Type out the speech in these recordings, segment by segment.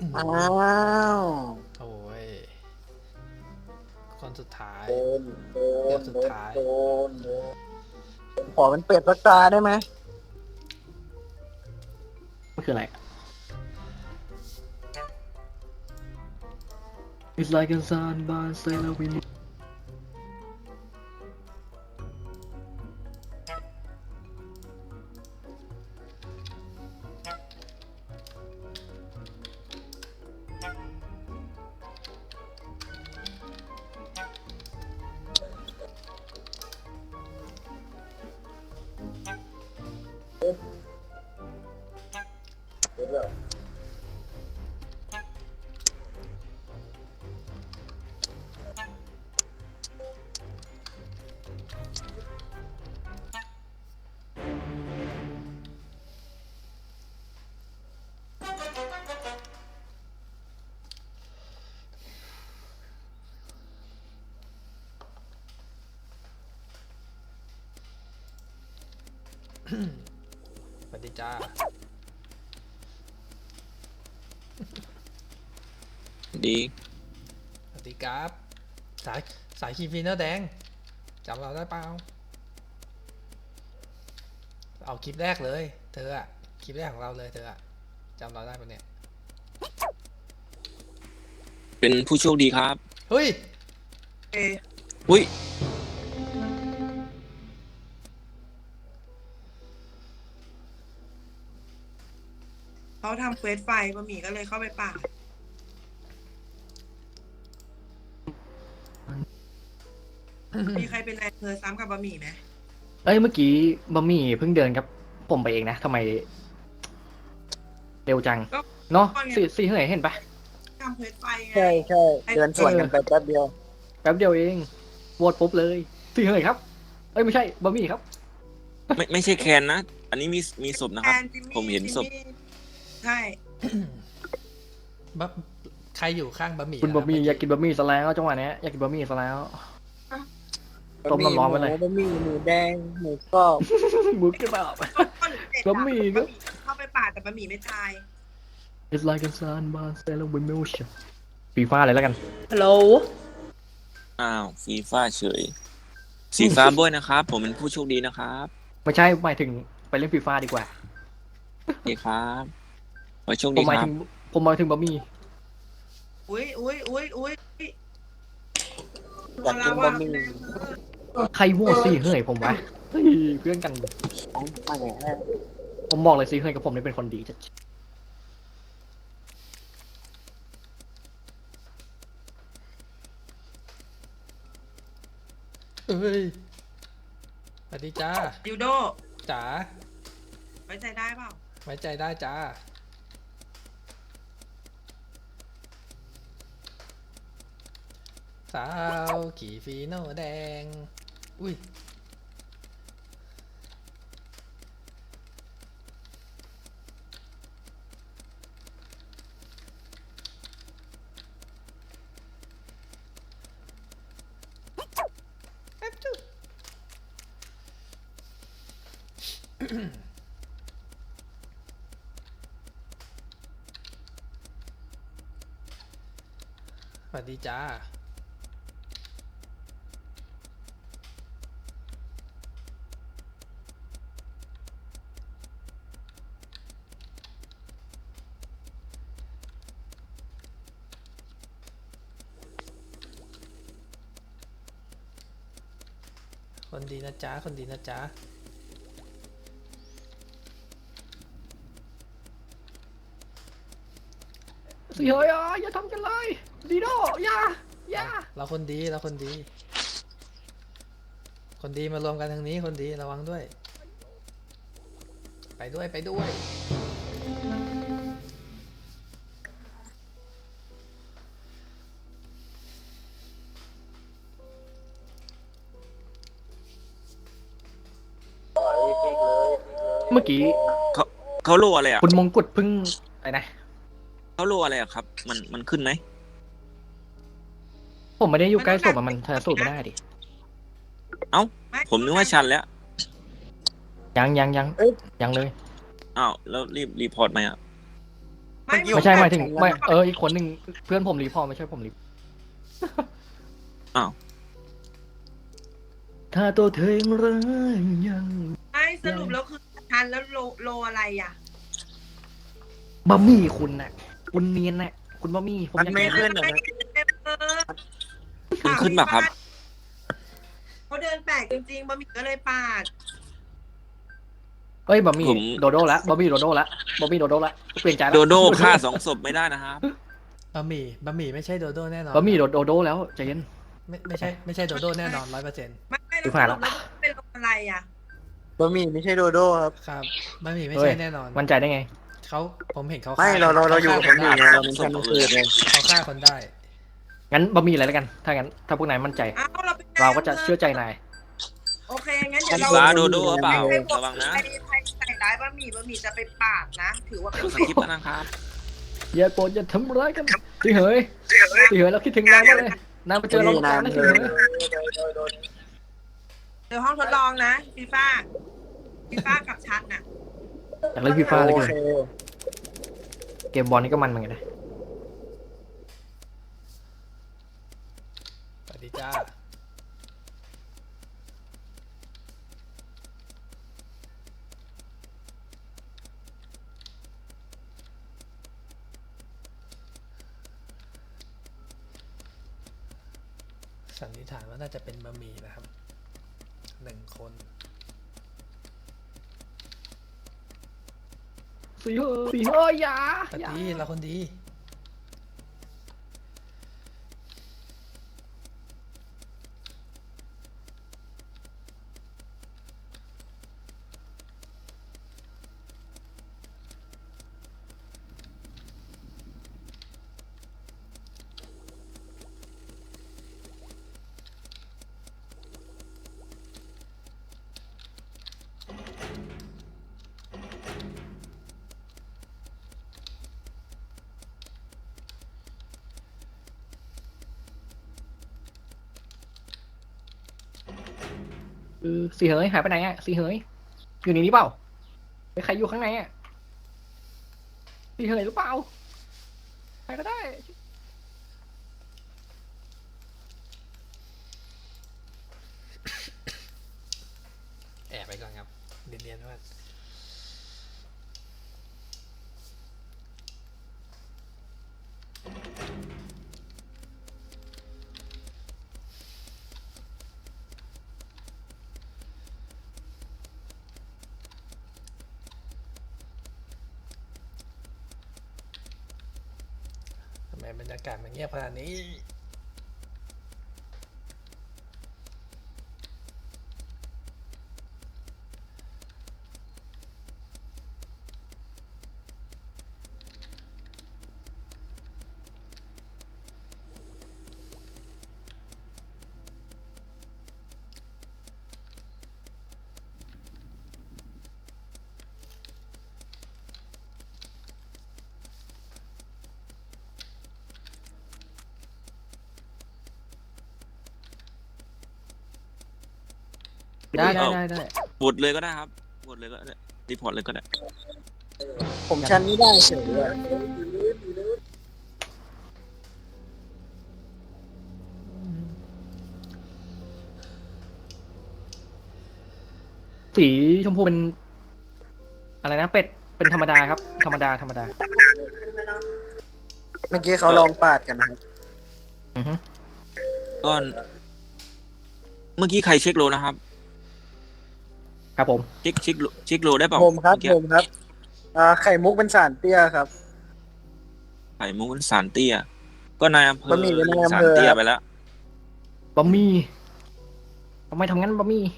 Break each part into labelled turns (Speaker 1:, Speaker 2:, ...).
Speaker 1: อ้าว
Speaker 2: โอ้ยคนสุดท้าย
Speaker 1: โดนโด
Speaker 2: เดี๋ย
Speaker 1: น
Speaker 2: วสุด
Speaker 1: โดน
Speaker 2: ท้าย
Speaker 1: โดนโดนผมขอเป็นเป็ดสักตาได้ไหม
Speaker 3: มันคืออะไร It's like a sun by sailor wind
Speaker 1: เดี๋ยวเดี๋ยว
Speaker 2: สวัสดีจ้า
Speaker 4: ดี
Speaker 2: สวัสดีครับ สายสายคีฟีเนอร์แดงจำเราได้เปล่าเอาคลิปแรกเลย เธออะคลิปแรกของเราเลยเธออะจำเราได้ปะเนี่ย
Speaker 4: เป็นผู้โชคดีครับ
Speaker 2: เฮ้ย
Speaker 4: อุ้ย
Speaker 5: เขาทำเควสไฟบะหมี่ก็เลยเข้าไปป่าดมีใครเป็นแรงเพอซ้ำกับบะหมี่ไหม
Speaker 3: เอ้ยเมื่อกี้บะหมี่เพิ่งเดินกับผมไปเองนะทำไมเร็วจัง เนาะสี่เหยเห็นปะ
Speaker 5: ทำเควสไฟไง
Speaker 1: ใช่ใช่เดินสวนกันไปแป๊บเดียว
Speaker 3: แป๊บเดียวเองโหวตปุ๊บเลยสี่เหยครับ เอ้ยไม่ใช่บะหมี่ครับ
Speaker 4: ไม่ใช่แคนนะ อันนี้มีศพนะครับ
Speaker 5: แอนจิมมี่
Speaker 4: ผมเห็นศพ
Speaker 5: จิมมี่ใช่
Speaker 2: บะใครอยู่ข้างบะหมี่
Speaker 3: คุณบะหมี่
Speaker 2: เ
Speaker 3: อยากกินบะหมี่ซะแล้วจังหวะเนี้ยอยากกินบะหมี่ซะแล้ว ต้มน้ำร้อนไว้เลย
Speaker 1: บะหมี่หมูแดงหมูกรอบ
Speaker 3: มุกจะแบบ
Speaker 5: ก็หนูเด็ด
Speaker 3: บะหมี่ก็
Speaker 5: บะหมี่เข้าไปป่าดแต่บะหมี่ไม่ตาย
Speaker 3: It's like a sun by sailor wind motion ฟีฟ้าเลยแล้วกัน
Speaker 6: ฮัลโหล
Speaker 4: อ้าวฟีฟ่าเฉย สีฟ้าบ้วยนะครับ ผมเป็นผู้โชคดีนะครับ
Speaker 3: ไม่ใช่หมายถึงไปเล่นฟีฟ้าดีกว่า
Speaker 4: โอเคครับขอโชค
Speaker 3: ผ
Speaker 4: ดี
Speaker 3: มหมาย
Speaker 4: ครั
Speaker 3: ถึ
Speaker 4: บ
Speaker 3: งผมหมายถึงบะหมี่
Speaker 5: อุ้ย
Speaker 1: อยากกิน
Speaker 5: เรา
Speaker 1: บะหมี่
Speaker 5: แรงเพอ
Speaker 3: ใครโหวตสี่เหยผมวะเฮ้ยเพื่อนกัน
Speaker 1: ไม่แหม
Speaker 3: ผมบอกเลยสี่เหยกับผมนี่เป็นคนดีจัด
Speaker 2: อ้ยสวัสดีจ้า
Speaker 5: ดิวโด
Speaker 2: จ๋า
Speaker 5: ไว้ใจได้เปล่า
Speaker 2: ไว้ใจได้จ้า สาวขี่ฟีโน่แดง อุ้ย สวัสดีจ้า คนดีนะจ๊ะ คนดีนะจ๊ะ
Speaker 3: สี่เหยอ่ะอย่าทำกันเลยดีโดอย่า
Speaker 2: เราคนดี เราคนดี คนดีมารวมกันทางนี้ คนดีระวังด้วย ไปด้วย ไปด้วย
Speaker 3: เมื่อกี้
Speaker 4: เขาโลอะไรอ่ะ
Speaker 3: คุณมงกุฎเพิ่งอะไรนะ
Speaker 4: เขาโลอะไรอ่ะครับ มันขึ้นไหม
Speaker 3: ผมไม่ได้อยู่ใกล้ศพอะมันชันสูตรไม่ได้ดิ
Speaker 4: เอ้า
Speaker 5: ไม่
Speaker 4: ผมนึกว่าชันแล้ว
Speaker 3: ยังเลย
Speaker 4: อ้าว แล้วรีพอร์ตไหมอ่ะ
Speaker 3: ไม่ใช่หมายถึงไม่อีกคนหนึ่งเพื่อนผมรีพอร์ตไม่ใช่ผมรี
Speaker 4: อ้าว
Speaker 3: ถ้าตัวเธอยังรักยัง
Speaker 5: ไม่สรุปแล้วคือทันแล้วโลอะไรอ่ะ
Speaker 3: บะหมี่คุณน่ะ คุณเนียนน่ะ คุณบะหมี่ผม
Speaker 1: มัน
Speaker 3: ยัง
Speaker 1: ไม่ขึ้นเหรอ
Speaker 4: มันขึ้นแบบครับ
Speaker 5: เขาเดินแปลกจริงๆบะหมี่ก็เลยปาด
Speaker 3: เอ้ยบะหมี่
Speaker 4: ผม
Speaker 3: โดโด้ละบะหมี่โดโด้ละบะหมี่โดโด้ละเปลี่ยนใจละ
Speaker 4: โดโด้ฆ่า2 ศพไม่ได้นะครับ
Speaker 2: บะหมี่ไม่ใช่โดโด้แน่นอน
Speaker 3: บะหมี่โดโด้แล้วใจเย็น
Speaker 2: ไม่ใช่โดโด้แน่นอน100%
Speaker 5: ไม่
Speaker 3: ดู
Speaker 5: แล้ว
Speaker 3: ผ่าน
Speaker 5: ส
Speaker 3: ละ
Speaker 5: รุปแล้วเป็นโลอะไรอ่ะ
Speaker 1: บะหมี่ไม่ใช่โดโด้ครับ
Speaker 2: ครับบะหมี่ไม่
Speaker 3: เฮ้
Speaker 2: ใช่
Speaker 3: ย
Speaker 2: แน่นอน
Speaker 3: มั่นใจได้ไง
Speaker 2: ผมเห็นเขา
Speaker 1: ไม่
Speaker 2: ฆ่
Speaker 1: เราอยู่กับ
Speaker 2: ฆ่
Speaker 1: บะหมี่ไงเราเป็นแค่มือไง
Speaker 2: เขาฆ่าคนได้
Speaker 3: งั้นบะหมี่อะไรแล้วกัน ถ้างั้นถ้าพวกนายมั่นใจ
Speaker 5: เอ้าเราเป็น
Speaker 3: เราก็จะเชื่อใจนาย
Speaker 5: โอเคงั้นเดี๋ยวเรา
Speaker 4: ฟ้าโดโด้หรือเปล่า
Speaker 5: ให้บท
Speaker 4: ระวังนะ
Speaker 5: ใครใส่ร้ายบะหมี่จะไปปาดนะ ถือว่าเป็น
Speaker 4: สคริปต์นะครับ
Speaker 3: อย่าโกรธอย่าทำร้ายกันพี่เหยเราคิดถึงนายมากเลยนายมาเจอเราตามนะพี่เหย
Speaker 5: เดี๋ยวห้องทดลองนะฟีฟ่ากับชัดน่ะ
Speaker 3: อยากเล่นฟีฟ่าเลย
Speaker 1: โอ
Speaker 3: เกิน
Speaker 1: เค
Speaker 3: เกมบอลนี่ก็มันเหมือนกันนะ
Speaker 2: สวัสดีจ้า สันนิษฐานว่าน่าจะเป็นบะหมี่นะครับ1 คน
Speaker 3: สีเหยอย่า
Speaker 2: ปฏิเราคนดี
Speaker 3: สีเหยหายไปไหนอ่ะสีเหยอยู่ในนี้เปล่าใครอยู่ข้างในอ่ะสีเหยหรือเปล่าใครก็ได้
Speaker 2: แอบไปก่อนครับเรียนว่าทำไมบรรยากาศมันเงียบขนาดนี้
Speaker 3: ได้
Speaker 4: บทเลยก็ได้ครับบทเลยก็ได้รีพอร์ตเลยก็ได้
Speaker 1: ผมชันไม่ได้เฉยเลย
Speaker 3: สีชมพูเป็นอะไรนะเป็ดเป็นธรรมดาครับธรรมดา
Speaker 1: เมื่อกี้เขาลองปาดกันนะครับ
Speaker 3: อือฮึ
Speaker 4: ก็เมื่อกี้ใครเช็คโลนะครับ
Speaker 3: ครับผม
Speaker 4: เช็คโลได้เปล่า
Speaker 1: ผมครับ
Speaker 4: เอกี้
Speaker 1: ผมครับไข่มุกเป็นสารเตี้ยครับ
Speaker 4: ไข่มุกสารเตี้ยก็นายอำเภอบ
Speaker 1: ะหมี่เป็นนายอำ
Speaker 4: สาร
Speaker 1: เภอ
Speaker 4: เตี้ย
Speaker 1: ครับ
Speaker 4: ไปแล้ว
Speaker 3: บะหมี่ทำไมทำงั้นบะหมี่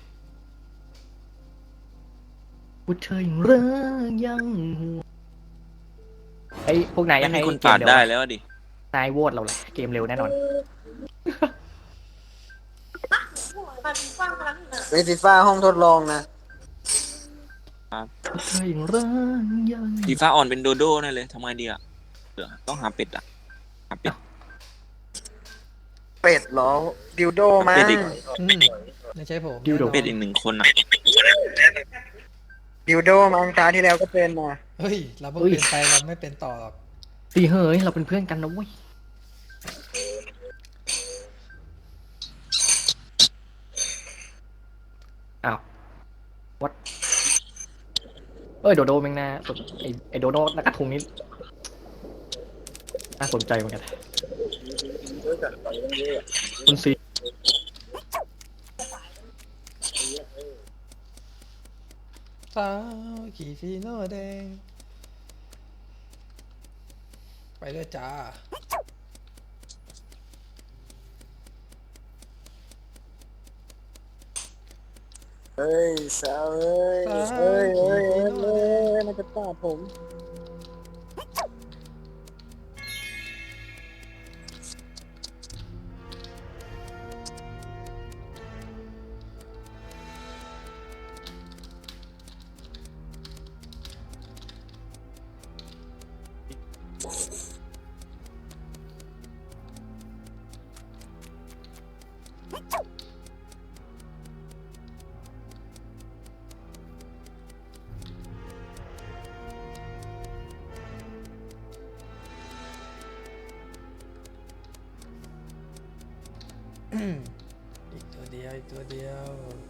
Speaker 3: พูดเธออย่างเรื่องยังห่วงไอ้พวกนายอ
Speaker 4: ไม่
Speaker 3: ยาก
Speaker 4: มี
Speaker 3: ให้
Speaker 4: คน
Speaker 3: เก
Speaker 4: ปาม ด
Speaker 3: เร็ว
Speaker 4: ได้
Speaker 3: อะ
Speaker 4: แล้วดิ
Speaker 3: นายโหวตเราเลยเกมเร็วแน่นอน
Speaker 1: เวทีฟ้าห้องทดลองนะ
Speaker 3: พูดเธออย่างเรื่องยัง
Speaker 4: ฟีฟ่าออนเป็นโดโด้นั่นเลยทำไงดีอ่ะเดี๋ยวต้องหาเป็ดอ่ะหาเป็ด
Speaker 1: เป็ดเหรอดิวโดมั้
Speaker 4: เป็
Speaker 1: ง
Speaker 4: ดอีก
Speaker 2: ไม่ใช่ผม
Speaker 3: ดิวโด
Speaker 2: แน่นอน
Speaker 4: เป็ดอีก1 คนอ่ะ
Speaker 1: ดดิวโดมังตาที่แล้วก็เป็นนะ
Speaker 2: เฮ้ย เราเพิ่งเป็นไปเราไม่เป็นต่อหรอก
Speaker 3: สีเหยเราเป็นเพื่อนกันนะเว้ยอ้าววัดโดโดแมงนาสนไอโดโดนักกระทุงนี้น่าสนใจเหมือนกันคุณซี
Speaker 2: สาวขี่ฟีโน่แดง ไปเลยจ้า
Speaker 1: เฮ้ยสาวเอ้ยเฮ้ยเฮ้ยเฮ้ยเฮ้ยมันจะตาผม
Speaker 2: อีกตัวเดียวอีกตัวเดียว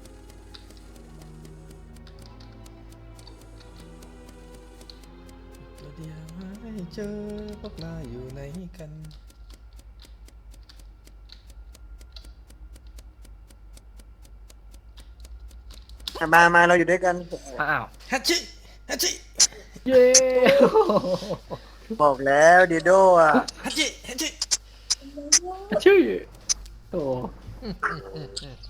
Speaker 2: อีกตัวเดียวให้เจอพวกเราอยู่ไหนกัน
Speaker 1: มาเราอยู่ด้วยกัน
Speaker 3: อ้าว
Speaker 2: ฮัชชิฮัชชิ
Speaker 3: เย้
Speaker 1: บอกแล้วดิวโดอ่ะ
Speaker 2: ฮัชชิฮัชชิ
Speaker 3: ชื่อโอ้
Speaker 2: อืม